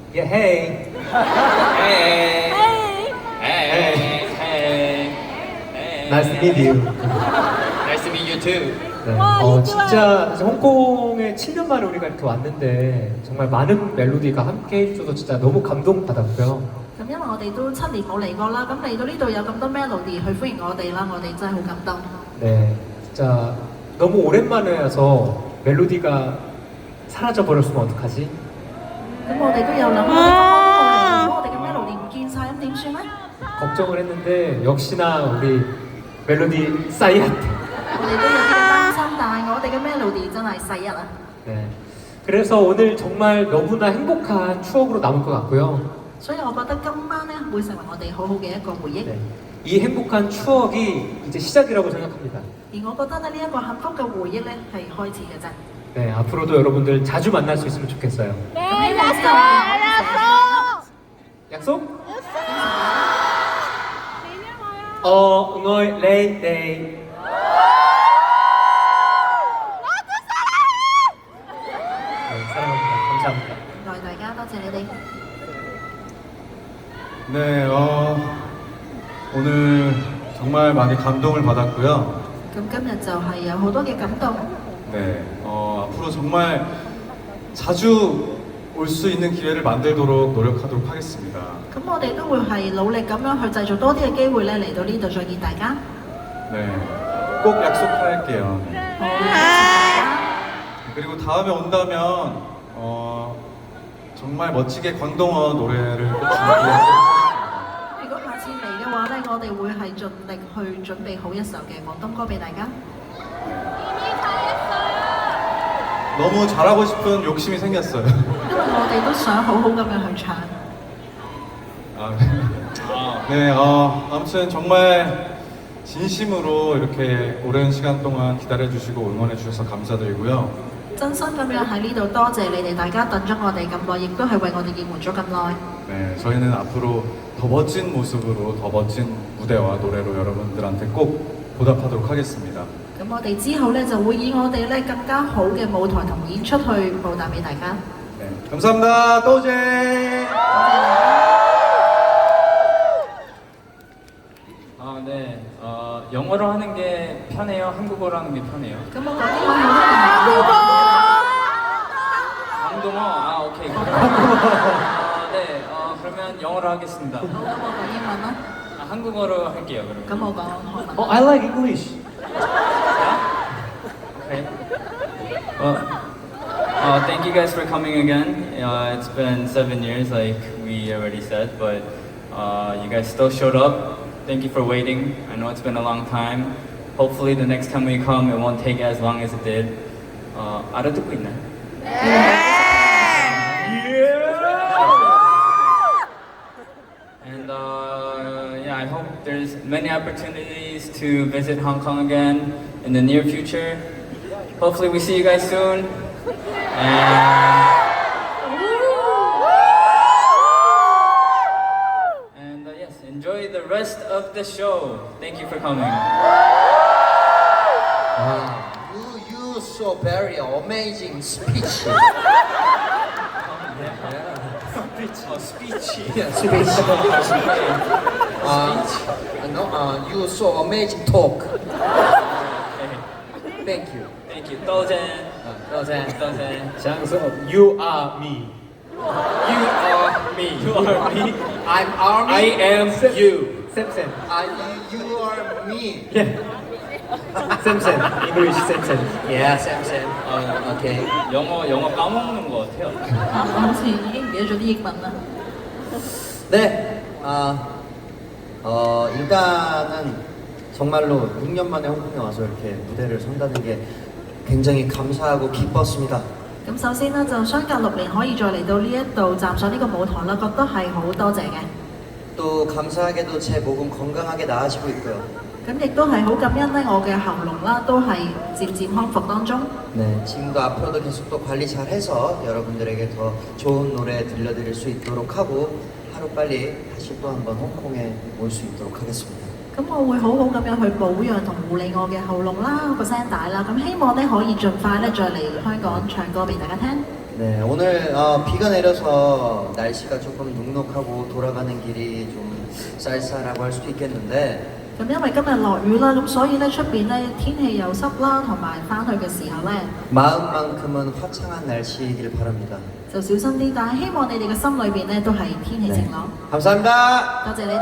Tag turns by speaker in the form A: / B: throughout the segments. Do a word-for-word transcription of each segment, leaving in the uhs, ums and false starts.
A: Yeah, hey.
B: Hey.
C: Hey.
B: Hey. Hey.
A: Nice to meet you.
B: Nice to meet you too.
A: 네.
D: 와,
A: 어,
D: 이거
A: 진짜 이제 홍콩에 칠 년 만에 우리가 이렇게 왔는데 정말 많은 멜로디가 함께 해주셔서 진짜 너무 감동받았고요.
D: 咁因為我哋都七年冇嚟過啦，咁嚟到呢度有咁多 melody 去歡迎我哋啦，我哋真係好感動。
A: 네, 진짜 너무 오랜만에 와서 멜로디가 사라져 버렸으면 어떡하지?
D: 咁我哋都有諗，我哋咁多都冇嚟，如果我哋嘅 melody 唔見晒，咁點算咧？
A: 걱정을 했는데 역시나 우리 멜로디 싸이한테.
D: 我哋都有啲嘅擔心，但係我哋嘅 melody 真係世一啊！
A: 네. 그래서 오늘 정말 너무나 행복한 추억으로 남을 것 같고요.
D: 所以我覺得今晚咧會成為我哋好好嘅一個回憶。
A: 네. 이 행복한 추억이 이제 시작이라고 생각합니다.
D: 而我覺得咧呢一個幸福嘅回憶咧係開始嘅啫。
A: 네, 앞으로도 여러분들 자주 만날 수 있으면 좋겠어요.
D: 네, 약속!
A: 약속? 어, 응어이 레이 데이. 네, 사랑합니다. 감사합니다.
D: 多謝大家，多謝你哋。
C: 네, 어, 오늘 정말 많이 감동을 받았고요.
D: 咁今日就係有好多嘅感動。
C: 네, 어, 앞으로 정말 자주 올 수 있는 기회를 만들도록 노력하도록 하겠습니다.
D: 咁我哋都會係努力咁樣去製造多啲嘅機會咧，嚟到呢度再見大家。
C: 네, 꼭 약속할게요. 네.
D: 好，多謝大家。
C: 그리고 다음에 온다면 어, 정말 멋지게 광동어 노래를 꼭 준비해요.
D: 如果下次嚟嘅話咧，我哋會係盡力去準備好一首嘅廣東歌俾大家。
C: 너무 잘하고 싶은 욕심이 생겼어요.
D: 因為我哋都想好好咁樣去唱。
C: 아, 네, 어, 아무튼 정말 진심으로 이렇게 오랜 시간 동안 기다려주시고 응원해주셔서 감사드리고요.
D: 真心咁樣喺呢度多謝你哋，大家等咗我哋咁耐，亦都係為我哋應援咗咁耐。
C: 네, 저희는 앞으로 더 멋진 모습으로 더 멋진 무대와 노래로 여러분들한테 꼭 보답하도록 하겠습니다.
D: 咁我哋之後咧就會以我哋咧更加好嘅舞台同演出去報答俾大家。
C: 네, 감사합니다. 또제.
D: 多謝大家。
B: 아, 네. 어, 영어로 하는 게 편해요? 한국어로 하는 게 편해요?
D: 咁我講英文好定係
B: 한국어. 아, 오케이. 아, 네. 어, 그러면 영어로 하겠습니다.
D: 好？咁我講英文啦。
B: 아, 한국어로 할게요, 그러면.
D: 咁我講韓文。
A: 어, I like English.
B: Okay. Well, uh, thank you guys for coming again. Uh, it's been seven years, like we already said, but uh, you guys still showed up. Thank you for waiting. I know it's been a long time. Hopefully, the next time we come, it won't take as long as it did. Uh, 알아듣고 있나요? And uh, yeah, I hope there's many opportunities to visit Hong Kong again in the near future. Hopefully we see you guys soon. And, and uh, yes, enjoy the rest of the show. Thank you for coming.
E: Wow, you you so very amazing speech.
B: Oh, speech.
E: Yeah, speech. Uh, no, uh, you so amazing talk. Thank you.
B: Thank you. 도전.
E: 도전.
B: 도전.
A: 장석, you are me.
B: You are me. You are me.
E: I'm army.
B: I am you.
A: 쌤쌤.
E: I, you, you are me.
A: Yeah. 쌤쌤. English 쌤쌤.
E: Yeah, Sam Sam. Uh, okay.
B: 영어 영어 까먹는 것 같아요.
D: 啊我好似已經唔記得咗啲英文啦。
E: 네. 아, 어, 일단은 정말로 육 년 만에 홍콩에 와서 이렇게 무대를 선다는 게 굉장히 감사하고 기뻤습니다.
D: 咁首先咧就相隔六年可以再嚟到呢一度站上呢個舞台啦，覺得係好多謝嘅。
E: 또 감사하게도 제 목은 건강하게 나아지고 있고요.
D: 咁亦都係好感恩咧，我嘅喉嚨啦都係漸漸康復當中。
E: 네, 지금도 앞으로도 계속 또 관리 잘 해서 여러분들에게 더 좋은 노래 들려드릴 수 있도록 하고 하루빨리 다시 또 한번 홍콩에 올 수 있도록 하겠습니다.
D: 咁我會好好咁樣去保養同護理我嘅喉嚨啦、個聲帶啦，咁希望咧可以盡快咧再嚟香港唱歌俾大家聽。
E: 네, 오늘 어, 비가 내려서 날씨가 조금 눅눅하고 돌아가는 길이 좀 쌀쌀하고 할 수도 있겠는데
D: 咁因為今日落雨啦，咁所以咧出邊咧天氣又濕啦，同埋翻去嘅時候咧
E: 마음만큼은 화창한 날씨이길 바랍니다.
D: 就小心啲。但係希望你哋嘅心裏邊咧都係天氣晴朗。
E: 감사합니다.
D: 多謝你哋，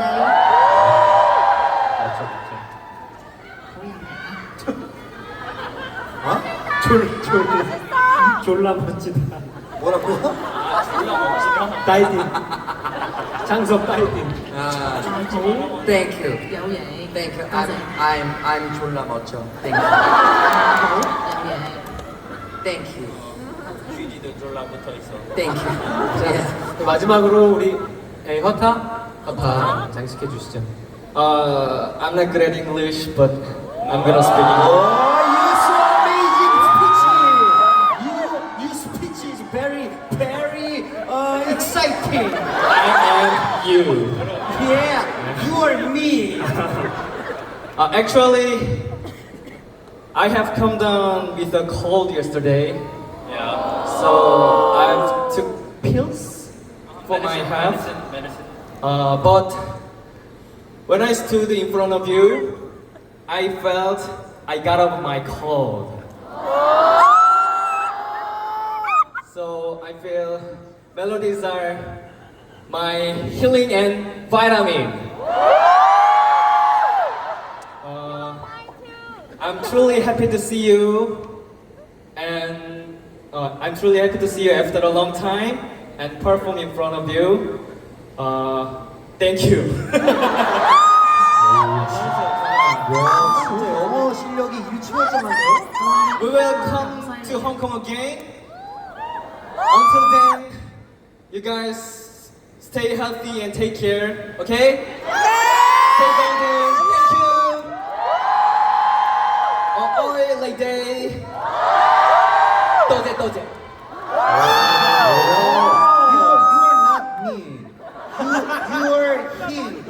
A: 맞죠, 맞죠.
D: 好人嚟啊！
E: 어?
A: 졸, 졸, 졸라 멋지다.
E: 뭐라고?
A: 다이딩. 장석 다이딩.
E: 아,
D: 再好
E: thank you.
D: 有嘢，
E: Thank you.
D: 多
E: I'm
D: 謝，
E: I'm I'm 졸라 멋져. Thank you.
D: 好有嘢。
E: Thank you.
B: 휴지도 졸라 붙어 있어.
E: Thank you.
A: 자, 마지막으로 우리 에, 허타? 허타 장식해 주시죠.
B: Uh, I'm not good at English, but I'm gonna speak English.
E: Oh, you so amazing speech. You you speech is very very uh, exciting.
B: I am you.
E: Yeah, you are me.
B: Uh, actually, I have come down with a cold yesterday. Yeah. So I took pills for my health. Uh, but when I stood in front of you, I felt I got over my cold. So I feel melodies are my healing and vitamin. Uh, I'm truly happy to see you, and uh, I'm truly happy to see you after a long time and perform in front of you. Uh, thank you.
E: 와, 진짜 영어 실력이 일치월장한데요?
B: We will come to Hong Kong again. Until then, you guys stay healthy and take care. Okay? Stay golden. Thank you. Oh, oi, lady. Doje, doje.
E: You, you are not me. You, you are him.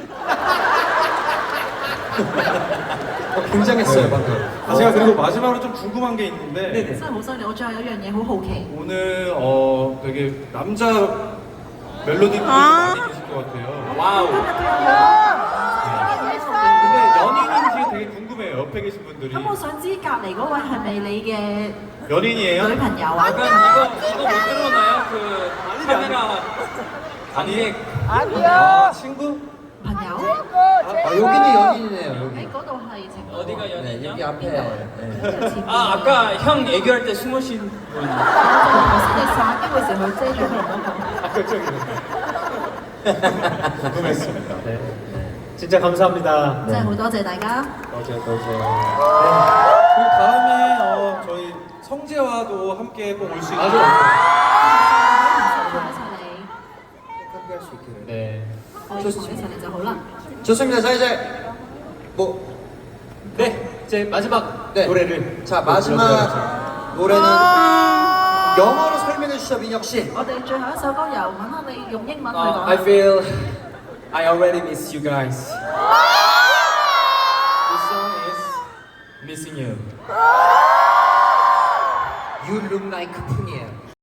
A: 어, 굉장했어요 방금.
C: 아, 제가 그리고 마지막으로 좀 궁금한 게 있는데
A: 네네.
D: 真係好犀利！我最後有一樣嘢好好奇，
C: 오늘 어 되게 남자 멜로디 분들이 많이 계실 것 같아요.
B: 와우.
C: 근데 연인인지 되게 궁금해요. 옆에 계신 분들이
D: 咁我想知隔離嗰位係咪你嘅
C: 연인이에요?
D: 女朋友啊？
B: 약간 이거 이거 못 들어오나요? 그 카메라
C: 아니
E: 아, 친구?
D: 朋友？
E: 아, 여기는 연인이네요,
D: 喺
E: 여기.
D: 嗰度係情侶
B: 어디가
E: 네,
B: 연인이요?
E: 여기 앞에. 네.
D: 跟住前面
B: 아 아까 형 얘기할 때 숨으신 분.
D: 頭先你散嘅嗰時佢遮住佢嗰個。
A: 아, 그쪽이네.
C: 궁금했습니다.
A: 네. 진짜 감사합니다.
D: 真係好多謝大家。
A: 어제 어제.
C: 그리고 다음에 어, 저희 성재와도 함께 꼭 올 수 있는
A: 맞아요.
D: 同一齊嚟，
E: 함께 할 수 있기를.
A: 네.
D: 我哋同一齊嚟就好啦。
E: 좋습니다. 자, 이제 뭐
A: 네. 이제 마지막
E: 네.
A: 노래를
E: 자,
A: 또 들려드려야죠.
E: 마지막 노래는 영어로 설명해 주시죠, 민혁 씨.
D: 我哋最後一首歌由揾下你用英文去
B: Uh, I
D: 講。
B: feel I already miss you guys. This song is missing you.
E: You look like 푼이에요.